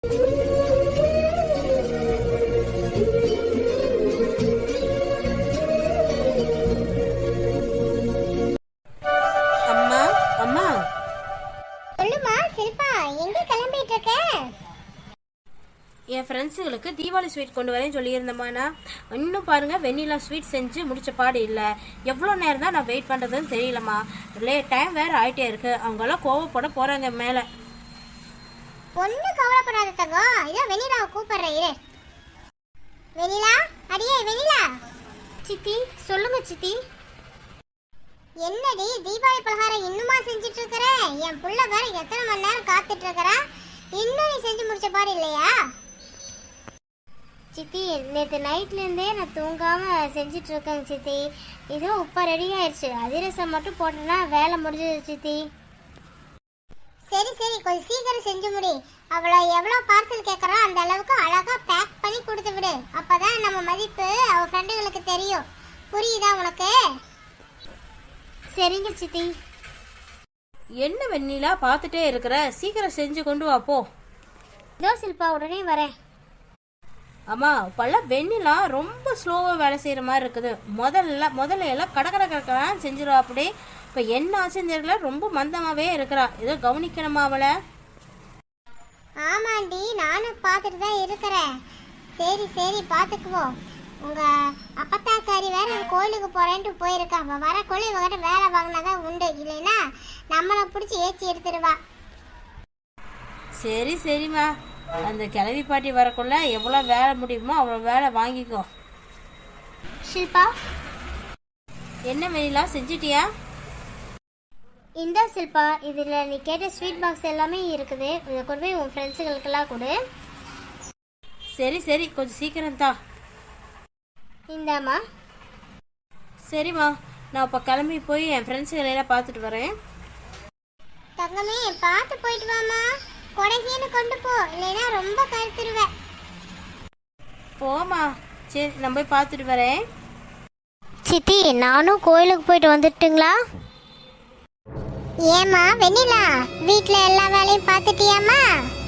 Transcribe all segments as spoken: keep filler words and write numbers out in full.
அம்மா அம்மா சொல்லுமா சில்பா, எங்க கிளம்பிட்டு இருக்க? என் ஃப்ரெண்ட்ஸுங்களுக்கு தீபாவளி ஸ்வீட் கொண்டு வரேன்னு சொல்லியிருந்தேம்மாண்ணா. இன்னும் பாருங்க, வெண்ணிலா ஸ்வீட் செஞ்சு முடிச்ச பாடு இல்லை. எவ்வளோ நேரம் தான் நான் வெயிட் பண்ணுறதுன்னு தெரியலம்மா. லே டைம் வேறு ஆகிட்டே இருக்கு. அவங்கெல்லாம் கோவப்பட போகிறாங்க மேலே. ஒன்றும் கவலைப்படாத தங்கம், இதோ வெண்ணிலாவை கூப்பிடுறேன் இரு. வெண்ணிலா, அடியே வெண்ணிலா. சித்தி சொல்லுங்க சித்தி. என்னடி தீபாவளி பலகாரம் இன்னுமா செஞ்சுட்டு இருக்கிற? என் புள்ள வேற எத்தனை மணி நேரம் காத்துட்டு இருக்கிறா, இன்னும் நீ செஞ்சு முடிச்ச பாடு இல்லையா? சித்தி நேற்று நைட்லேருந்தே நான் தூங்காமல் செஞ்சிட்டு இருக்கேங்க சித்தி. இதோ உப்பா ரெடி ஆயிடுச்சு. அதிரசம் மட்டும் போட்டேன்னா வேலை முடிஞ்சது சித்தி. சரி சரி, கொஞ்சம் சீக்கிரம் செஞ்சு முடி. அவளை எவ்வளோ பார்சல் கேட்குறா அந்த அளவுக்கு அழகா பேக் பண்ணி கொடுத்து விடு. அப்பதான் நம்ம மதிப்பு அவ ஃப்ரெண்டுகளுக்கு தெரியும். புரியுதா உனக்கு? சரிங்க சித்தி. என்ன வெண்ணிலா பார்த்துட்டே இருக்கிற? சீக்கிரம் செஞ்சு கொண்டு வா போ. இதோ சில்பா உடனே வரேன். அம்மா, இப்போல்லாம் வெண்ணிலா ரொம்ப ஸ்லோவாக வேலை செய்கிற மாதிரி இருக்குது. முதல்ல முதல்ல எல்லாம் கடை கடை கடற்கடான்னு செஞ்சிருவா. அப்படி இப்போ என்ன ஆச்சுன்னு தெரியல, ரொம்ப மந்தமாகவே இருக்கிறா. ஏதோ கவனிக்கணுமா அவளை? ஆமாண்டி, நானும் பார்த்துட்டு தான் இருக்கிறேன். சரி சரி, பார்த்துக்குவோம். உங்க அப்பத்தாக்காரி வேற கோயிலுக்கு போறேன்ட்டு போயிருக்கா. அவ வர கோயில் இவகிட்ட வேலை வாங்கினாதான் உண்டு, இல்லைன்னா நம்மளை பிடிச்சி ஏச்சி எடுத்துருவா. சரி சரிம்மா, அந்த கிளவி பாட்டி வரக்குள்ள எவ்வளோ வேலை முடியுமோ அவ்வளோ வேலை வாங்கிக்கோ. ஷில்பா, என்ன வெண்ணிலா செஞ்சிட்டியா? இந்த சில்பா, இதில் நீ கேட்ட ஸ்வீட் பாக்ஸ் எல்லாமே இருக்குது. இதை கொண்டு போய் உன் ஃப்ரெண்ட்ஸுகளுக்கெல்லாம் கொடு. சரி சரி, கொஞ்சம் சீக்கிரம் தான். இந்தாம்மா. சரிம்மா, நான் இப்போ கிளம்பி போய் என் ஃப்ரெண்ட்ஸுகளெல்லாம் பார்த்துட்டு வரேன். தங்கமே, பார்த்து போயிட்டு வாமா. கொடைகீன்னு கொண்டு போ, இல்லைன்னா ரொம்ப கருத்துருவேன். போமா. சரி, நான் போய் பார்த்துட்டு வரேன். சித்தி, நானும் கோயிலுக்கு போயிட்டு வந்துட்டுங்களா? ஏமா வெண்ணிலா, வீட்டில் எல்லா வேலையும் பார்த்துட்டியாமா?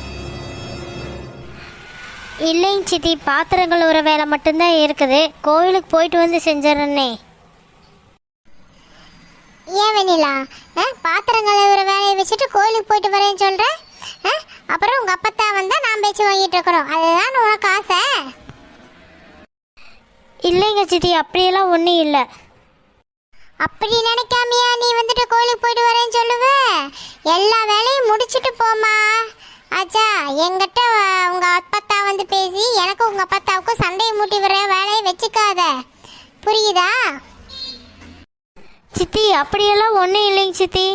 இல்லைங்க சித்தி, பாத்திரங்கள் ஒரு வேலை மட்டும்தான் இருக்குது. கோயிலுக்கு போயிட்டு வந்து செஞ்சிடறேன்னே. ஏன் வெண்ணிலா, பாத்திரங்களை ஒரு வேலையை வச்சுட்டு கோயிலுக்கு போயிட்டு வரேன்னு சொல்கிறேன். அப்புறம் உங்கள் அப்பத்தா வந்தால் நான் பேச்சு வாங்கிட்டு இருக்கிறோம். அதுதான் உனக்கு ஆசை? இல்லைங்க சித்தி, அப்படியெல்லாம் ஒன்றும் இல்லை. அப்படி நினைக்காமையா நீ வந்துட்டு கோயிலுக்கு போயிட்டு வரேன்னு சொல்லுவ? எல்லா வேலையும் முடிச்சுட்டு போமா. ஆச்சா, என்கிட்ட உங்க அப்பத்தா வந்து பேசி எனக்கு உங்க அப்பத்தாவுக்கும் சண்டையை மூட்டி வர வேலையை வச்சுக்காத, புரியுதா? சித்தி, அப்படியெல்லாம் ஒன்றும் இல்லைங்க சித்தி.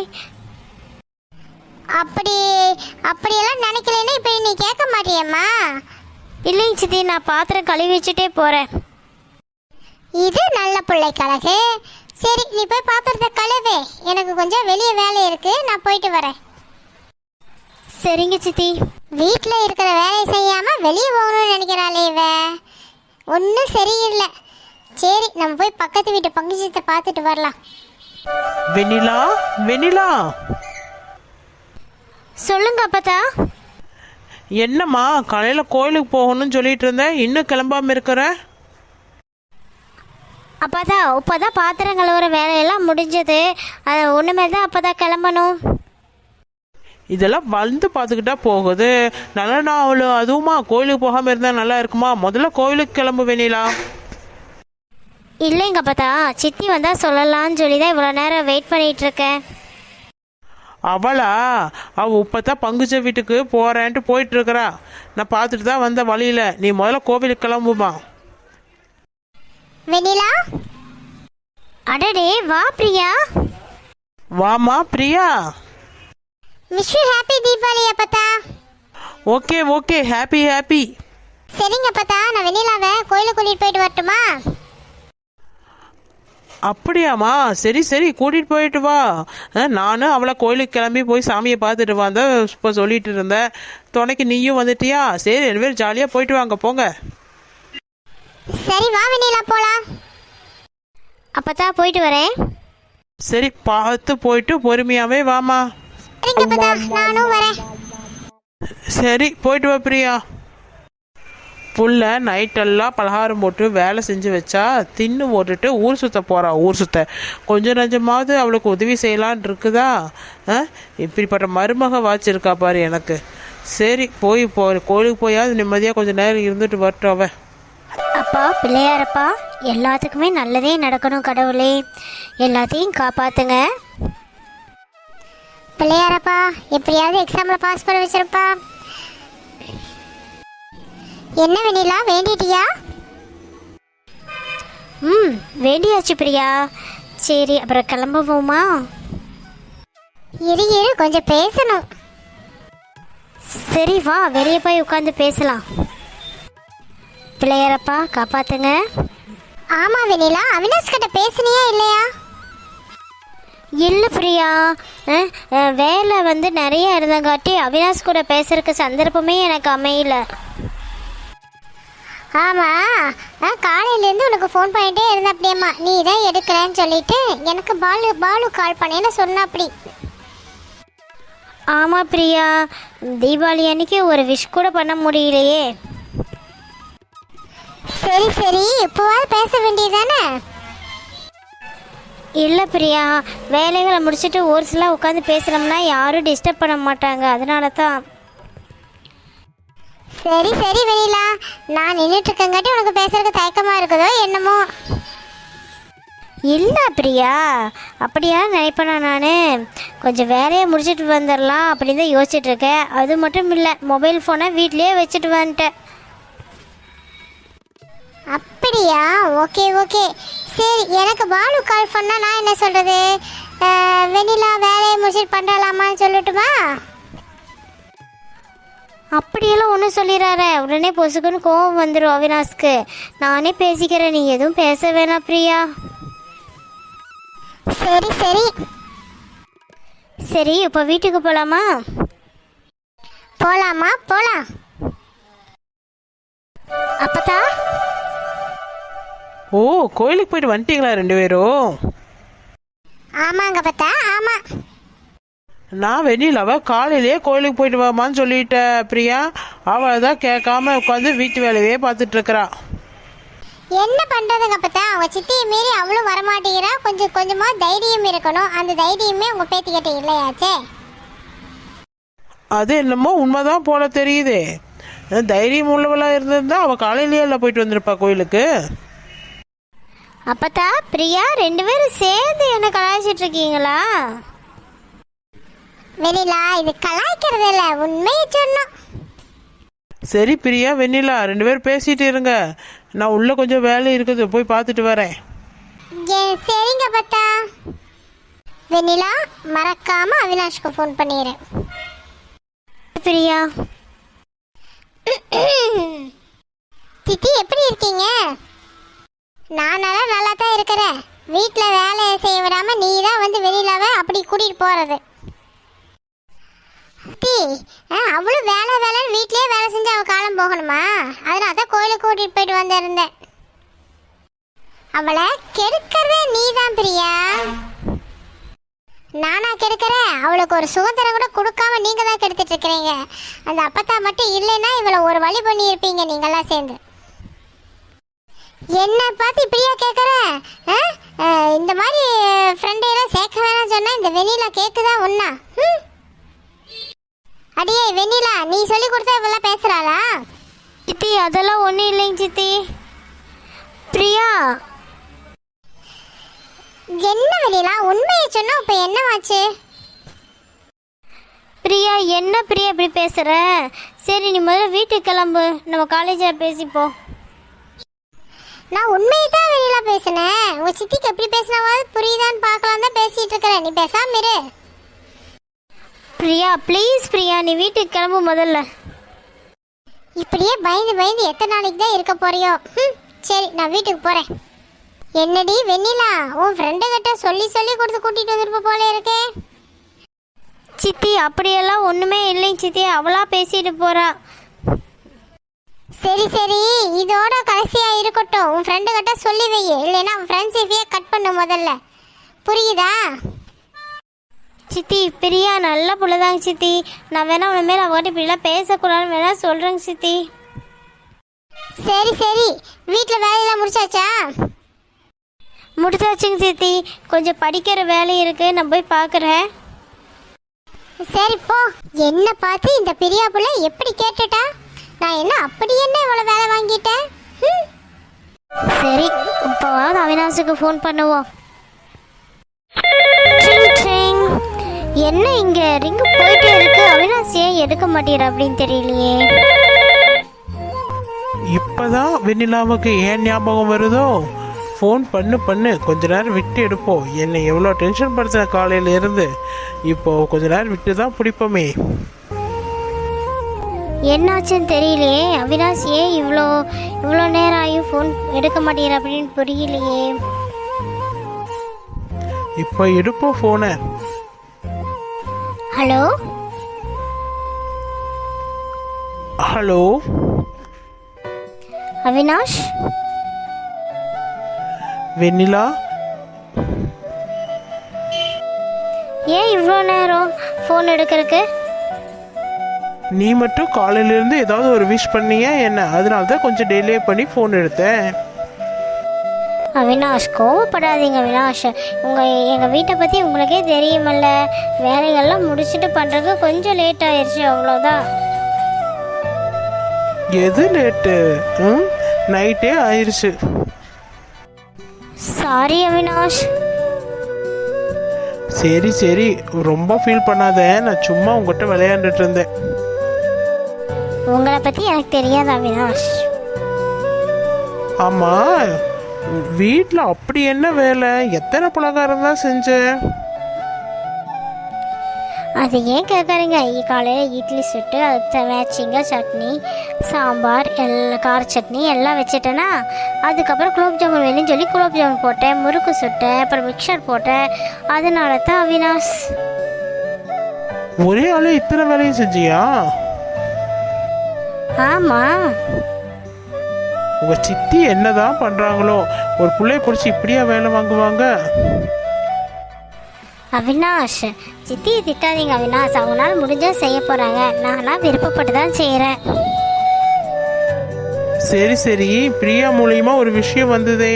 அப்படி அப்படியெல்லாம் நினைக்கலன்னா இப்போ நீ கேட்க மாட்டியம்மா? இல்லைங்க சித்தி, நான் பாத்திரம் கழுவி வச்சுட்டே போகிறேன். இது நல்ல பிள்ளை கழகு. சரி, நீ போய் பாத்திரத்தை கழுவு. எனக்கு கொஞ்சம் வெளியே வேலை இருக்கு, நான் போயிட்டு வரேன். சரிங்க சித்தி. வீட்டில் இருக்கிற வேலையை செய்யாம வெளியே போகணும்னு நினைக்கிறாளே இவ, ஒன்றும் சரியில்லை. சரி, நம்ம போய் பக்கத்து வீட்டு பங்குச்சத்தை பார்த்துட்டு வரலாம். வெண்ணிலா, வெண்ணிலா. சொல்லுங்க அப்பத்தா. என்னம்மா, காலையில் கோயிலுக்கு போகணும்னு சொல்லிட்டு இருந்தேன், இன்னும் கிளம்பாம இருக்கிற? அப்போதா இப்போதான் பாத்திரம் கழுவுற வேலையெல்லாம் முடிஞ்சது. அது ஒன்றுமே தான் அப்போதான் கிளம்பணும். இதெல்லாம் வந்து பார்த்துக்கிட்டா போகுது. நல்லா நான் அவ்வளோ அதுவுமா கோயிலுக்கு போகாமல் இருந்தால் நல்லா இருக்குமா? முதல்ல கோயிலுக்கு கிளம்பு வெண்ணிலா. இல்லைங்க அப்போதா, சித்தி வந்தால் சொல்லலான்னு சொல்லி தான் இவ்வளோ நேரம் வெயிட் பண்ணிகிட்டு இருக்கேன். அவளா? அவள் இப்போ தான் பங்குச்ச வீட்டுக்கு போகிறேன்ட்டு போயிட்டுருக்கிறா. நான் பார்த்துட்டு தான் வந்த வழியில். நீ முதல்ல கோவிலுக்கு கிளம்புமா. வெண்ணிலா, அடடே, வா பிரியா. வாமா Priya. Wish you happy Deepavali அப்பத்தா. Okay okay, happy happy. சரிங்க அப்பத்தா, நான் வெண்ணிலாவை கோயிலுக்கு கூட்டிகிட்டு போயிட்டு வரட்டுமா? அப்படியாம்மா, சரி சரி, கூட்டிகிட்டு போயிட்டு வா. நானும் அவளை கோயிலுக்கு கிளம்பி போய் சாமியை பார்த்துட்டு வந்த இப்போ சொல்லிட்டு இருந்தேன். துணைக்கு நீயும் வந்துட்டியா? சரி, ரெண்டு பேரும் ஜாலியாக போயிட்டு வாங்க, போங்க. சரி, வா வெண்ணிலா போலாம். அப்பத்தா போயிட்டு வரேன். சரி, பார்த்து போயிட்டு பொறுமையாகவே வாமா. சரிங்க அப்பத்தா, நானும் வரேன். சரி போயிட்டு வா பிரியா. புள்ள நைட்டெல்லாம் பலகாரம் போட்டு வேலை செஞ்சு வச்சா தின்னு போட்டுட்டு ஊர் சுற்ற போகிறா. ஊர் சுற்ற கொஞ்சம் நஞ்சமாவது அவளுக்கு உதவி செய்யலான் இருக்குதா? ஆ இப்படிப்பட்ட மருமக வாச்சிருக்கா பாரு எனக்கு. சரி போய் போ கோயிலுக்கு போயாவது நிம்மதியாக கொஞ்சம் நேரம் இருந்துட்டு வரட்டும் அவ. அப்பா பிள்ளையாரப்பா, எல்லாத்துக்குமே நல்லதே நடக்கணும் கடவுளே, எல்லாத்தையும் காப்பாத்துங்க. பிள்ளையாரப்பா எப்படியாவது எக்ஸாம்ல பாஸ் பண்ண வச்சிருப்பா. என்ன வெண்ணிலா வேண்டிட்டியா? ம் வேண்டியாச்சு பிரியா. சரி அப்புறம் கிளம்புவோமா? இரு இரு கொஞ்சம் பேசணும். சரி வா, வெளியே போய் உட்காந்து பேசலாம். பிள்ளையாரப்பா காப்பாத்துங்க. ஆமா வெண்ணிலா, அவினாஷ் கிட்ட பேசுனியா இல்லையா? இல்லை பிரியா, அஹ், அஹ், வேலை வந்து நிறைய இருந்தங்காட்டி அவினாஷ் கூட பேசுறதுக்கு சந்தர்ப்பமே எனக்கு அமையல. ஆமா, காலையிலேருந்து உனக்கு ஃபோன் பண்ணிட்டே இருந்த அப்படியேம்மா, நீ தான் எடுக்கிறேன்னு சொல்லிட்டு எனக்கு பாலு பாலு கால் பண்ணேன்னு சொன்ன அப்படி. ஆமாம் பிரியா, தீபாவளி அன்னைக்கு ஒரு விஷ் கூட பண்ண முடியலையே. சரி சரி இப்போவாது பேச வேண்டியதானே? இல்லை பிரியா, வேலைகளை முடிச்சுட்டு ஒரு சில உட்காந்து பேசுகிறோம்னா யாரும் டிஸ்டர்ப் பண்ண மாட்டாங்க, அதனால தான். சரி சரி வெண்ணிலா, நான் நின்றுட்டு இருக்கங்காட்டி உனக்கு பேசுறதுக்கு தயக்கமா இருக்குதோ என்னமோ? இல்லை பிரியா, அப்படியா நினைப்பேனா நான். கொஞ்சம் வேலையை முடிச்சுட்டு வந்துடலாம் அப்படின்னு தான் யோசிச்சுட்டு இருக்கேன். அது மட்டும் இல்லை, மொபைல் ஃபோனை வீட்லேயே வச்சுட்டு வந்துட்டேன். அப்படியா? Okay okay. சரி, எனக்கு பாலு கால் பண்ணா நான் என்ன சொல்றது? வெண்ணிலா வேலையை முடிச்சுட்டு பண்ணலாமான்னு சொல்லட்டுமா? அப்படியெல்லாம் ஒன்றும் சொல்லிடுறாரு, உடனே பொசுக்குன்னு கோவம் வந்துடும் அவினாஷ்க்கு. நானே பேசிக்கிறேன், நீ எதுவும் பேச வேணாம் பிரியா. சரி சரி சரி இப்போ வீட்டுக்கு போகலாமா? போலாமா? போலாம். அப்பதா ஓ கோயிலுக்கு போயிட்டு வந்துட்டீங்களா ரெண்டு பேரும்? ஆமாங்க பத்தா, ஆமா. நான் வெண்ணிலாவை காலையிலேயே கோயிலுக்கு போயிட்டு வாமான்னு சொல்லிட்டேன் பிரியா. அவளை தான் கேட்காம உட்காந்து வீட்டு வேலையே பார்த்துட்டு இருக்கிறா. என்ன பண்றதுங்க பத்தா, அவங்க சித்தியை மீறி அவளும் வரமாட்டேங்கிறா. கொஞ்சம் கொஞ்சமா தைரியம் இருக்கணும். அந்த தைரியமே உங்க பேத்திக்கிட்ட இல்லையாச்சே. அது என்னமோ உண்மைதான் போல தெரியுதே. தைரியம் உள்ளவளாக இருந்திருந்தா அவள் காலையிலேயே எல்லாம் போயிட்டு வந்திருப்பா கோயிலுக்கு. அப்பத்தா பிரியா ரெண்டு பேரும் சேர்ந்து என்ன கலாய்ச்சிட்டு இருக்கீங்களா? வெண்ணிலா, இது கலாய்க்கிறது இல்ல, உண்மையை சொன்னோம். சரி பிரியா வெண்ணிலா ரெண்டு பேரும் பேசிட்டு இருங்க, நான் உள்ள கொஞ்சம் வேலை இருக்குது போய் பார்த்துட்டு வரேன். ஏ, சரிங்க பத்தா. வெண்ணிலா மறக்காம அவினாஷ்க்கு ஃபோன் பண்ணிடுறேன். பிரியா சித்தி எப்படி இருக்கீங்க? நான் நல்லா நல்லா தான் இருக்கிறேன். வீட்டில் வேலை செய்ய விடாம நீ தான் வந்து வெளியிலாவ அப்படி கூட்டிட்டு போறது. சித்தி, அவ்வளோ வேலை வேலைன்னு வீட்லயே வேலை செஞ்சு அவள் காலம் போகணுமா? அதனால தான் கோயிலுக்கு கூட்டிட்டு போயிட்டு வந்திருந்தேன். அவளை கெடுக்கிறதே நீ தான் பிரியா. நானா கெடுக்கிறேன்? அவளுக்கு ஒரு சுதந்திரம் கூட கொடுக்காம நீங்க தான் கெடுத்துட்டு இருக்கிறீங்க. அந்த அப்பத்தா மட்டும் இல்லைன்னா இவளை ஒரு வழி பண்ணி இருப்பீங்க நீங்கெல்லாம் சேர்ந்து. என்ன பார்த்து இப்படியா கேட்குற? இந்த மாதிரி ஃப்ரெண்டையெல்லாம் சேர்க்க வேணாம்னு சொன்னா இந்த வெண்ணிலா கேட்குதா ஒன்னா? அடியே வெண்ணிலா, நீ சொல்லி கொடுத்தா இவெல்லாம் பேசுறாளா? சித்தி அதெல்லாம் ஒன்றும் இல்லைங்க சித்தி. பிரியா என்ன வெண்ணிலா, உண்மையை சொன்னா இப்ப என்னவாச்சு? பிரியா என்ன பிரியா இப்படி பேசுற? சரி நீ முதல்ல வீட்டுக்கு கிளம்பு, நம்ம காலேஜில் பேசிப்போம். நான் உண்மையை தான் வெண்ணிலா பேசினேன். உங்க சித்திக்கு எப்படி பேசினாவது புரியுதான்னு பார்க்கலாம் தான் பேசிட்டு இருக்கிறேன். நீ பேசாம இரு. பிரியா ப்ளீஸ் பிரியா, நீ வீட்டுக்கு கிளம்பு முதல்ல. இப்படியே பயந்து பயந்து எத்தனை நாளைக்கு தான் இருக்க போறியோ? சரி நான் வீட்டுக்கு போறேன். என்னடி வெண்ணிலா, உன் ஃப்ரெண்டு கிட்ட சொல்லி சொல்லி கொடுத்து கூட்டிட்டு வந்திருப்ப போல இருக்கே. சித்தி அப்படியெல்லாம் ஒன்றுமே இல்லைங்க சித்தி, அவளா பேசிட்டு போறா. சரி சரி, இதோட கடைசியா இருக்கட்டும். உன் ஃப்ரெண்டு கிட்ட சொல்லி வை, இல்லைன்னா உன் ஃப்ரெண்ட்ஷிப்பையே கட் பண்ணு முதல்ல. புரியுதா? சித்தி பிரியா நல்ல புள்ளதாங்க சித்தி. நான் வேணா உன மேலே அவங்ககிட்ட இப்படிலாம் பேசக்கூடாதுன்னு வேணா சொல்கிறேங்க சித்தி. சரி சரி, வீட்டில் வேலையெல்லாம் முடிச்சாச்சா? முடிச்சாச்சுங்க சித்தி. கொஞ்சம் படிக்கிற வேலை இருக்குது, நான் போய் பார்க்குறேன். சரி போ. என்ன பார்த்து இந்த பிரியா புள்ள எப்படி கேட்டுட்டா? நான் என்ன அப்படி என்ன இவ்வளோ வேலை வாங்கிட்டேன்? ம். சரி, இப்போவாவது அவினாஷுக்கு ஃபோன் பண்ணுவோம். ட்ரிங் ட்ரிங். என்ன இங்கே ரிங்கு போயிட்டே இருக்கு, அவினாஷ் ஏன் எடுக்க மாட்டேற அப்படின்னு தெரியலையே. இப்பதான் வெண்ணிலாவுக்கு ஏன் ஞாபகம் வருதோ? ஃபோன் பண்ணு பண்ணு கொஞ்ச நேரம் விட்டு எடுப்போம். என்னை எவ்வளோ டென்ஷன் படுத்தின காலையில் இருந்து. இப்போ கொஞ்ச நேரம் விட்டு தான் பிடிப்போமே. என்னாச்சுன்னு தெரியலையே, அவினாஷ் ஏன் இவ்வளோ இவ்வளோ நேரம் ஆகியும் ஃபோன் எடுக்க மாட்டேங்கிற அப்படின்னு புரியலையே. இப்போ எடுப்போம் ஃபோனை. Hello hello Avinash. வெண்ணிலா, ஏன் இவ்வளோ நேரம் ஃபோன் எடுக்கிறதுக்கு? நீ மட்டும் காலையிலேருந்து ஏதாவது ஒரு விஷ் பண்ணியா என்ன? அதனால தான் கொஞ்சம் டிலே பண்ணி ஃபோன் எடுத்தேன். அவினாஷ் கோவப்படாதீங்க அவினாஷ். உங்கள் எங்கள் வீட்டை பற்றி உங்களுக்கே தெரியுமல்ல, வேலைகள்லாம் முடிச்சுட்டு பண்ணுறதுக்கு கொஞ்சம் லேட் ஆயிடுச்சு, அவ்வளோதான். எது லேட்டு? ம் நைட்டே ஆயிடுச்சு. சாரி அவினாஷ். சரி சரி, ரொம்ப ஃபீல் பண்ணாத. நான் சும்மா உங்ககிட்ட விளையாண்டுட்டு இருந்தேன். உங்களை பற்றி எனக்கு தெரியாது அவினாஷ். ஆமாம், வீட்டில் அப்படி என்ன வேலை? எத்தனை பலகாரம் தான் செஞ்சேன்? அது ஏன் கேட்குறீங்க? காலையில் இட்லி சுட்டு அதுக்கு மேட்சிங்காக சட்னி, சாம்பார், எல்லா கார சட்னி எல்லாம் வச்சுட்டேன்னா, அதுக்கப்புறம் குலோப் ஜாமுன் வேணும்னு சொல்லி குலோப் ஜாமுன் போட்டேன், முறுக்கு சுட்டேன், அப்புறம் மிக்சர் போட்டேன். அதனால தான் அவினாஷ். ஒரே ஆளே இத்தனை வேலையும் செஞ்சியா? ஆமாம். உங்கள் சித்தி என்னதான் பண்ணுறாங்களோ, ஒரு பிள்ளைய பிடிச்சி இப்படியா வேலை வாங்குவாங்க? அவினாஷ் சித்தியை திட்டாதீங்க அவினாஷ். அவங்களால முடிஞ்சால் செய்ய போகிறாங்க, நான்லாம் விருப்பப்பட்டு தான் செய்கிறேன். சரி சரி, பிரியா மூலியமா ஒரு விஷயம் வந்ததே.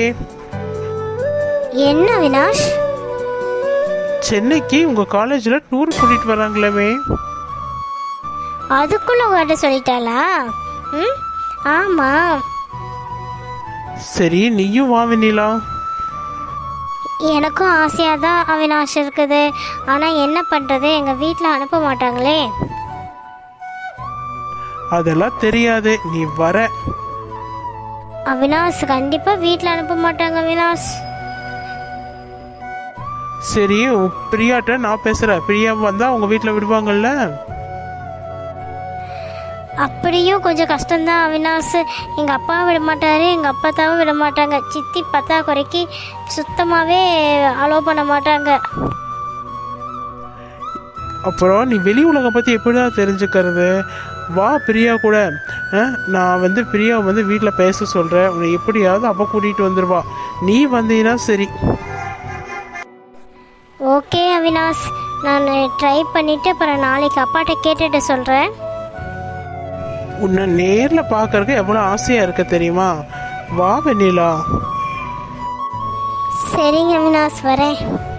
என்ன அவினாஷ்? சென்னைக்கு உங்க காலேஜ்ல டூர் கூட்டிட்டு வராங்களே. அதுக்குள்ள உங்கள்கிட்ட சொல்லிட்டாளா? ம் ஆமாம். சரி, நீயும் வா வெண்ணிலா. எனக்கும் ஆசையாக தான் அவினாஷ் இருக்குது. ஆனால் என்ன பண்ணுறது, எங்கள் வீட்டில் அனுப்ப மாட்டாங்களே. அதெல்லாம் தெரியாது, நீ வர. அவினாஷ் கண்டிப்பாக வீட்டில் அனுப்ப மாட்டாங்க அவினாஷ். சரி, உன் பிரியாட்ட நான் பேசுகிறேன். பிரியா வந்தால் உங்கள் வீட்டில் விடுவாங்கல்ல? அப்படியும் கொஞ்சம் கஷ்டம்தான் அவினாஷ். எங்கள் அப்பாவும் விட மாட்டார், எங்கள் அப்பாத்தாவும் விட மாட்டாங்க. சித்தி பத்தா குறைக்கு சுத்தமாகவே அலோவ் பண்ண மாட்டாங்க. அப்புறம் நீ வெளி உலகம் பற்றி எப்படி தான் தெரிஞ்சுக்கிறது? வா பிரியா கூட. நான் வந்து பிரியா வந்து வீட்டில் பேச சொல்கிறேன். உன்னை எப்படியாவது அப்போ கூட்டிகிட்டு வந்துடுவா. நீ வந்தீங்கன்னா சரி. ஓகே அவினாஷ், நான் ட்ரை பண்ணிவிட்டு அப்புறம் நாளைக்கு அப்பாட்ட கேட்டுட்டு சொல்கிறேன். உன்னை நேரில் பார்க்கறதுக்கு எவ்வளோ ஆசையாக இருக்க தெரியுமா? வா வெண்ணிலா. சரிங்க அவினாஷ், வரேன்.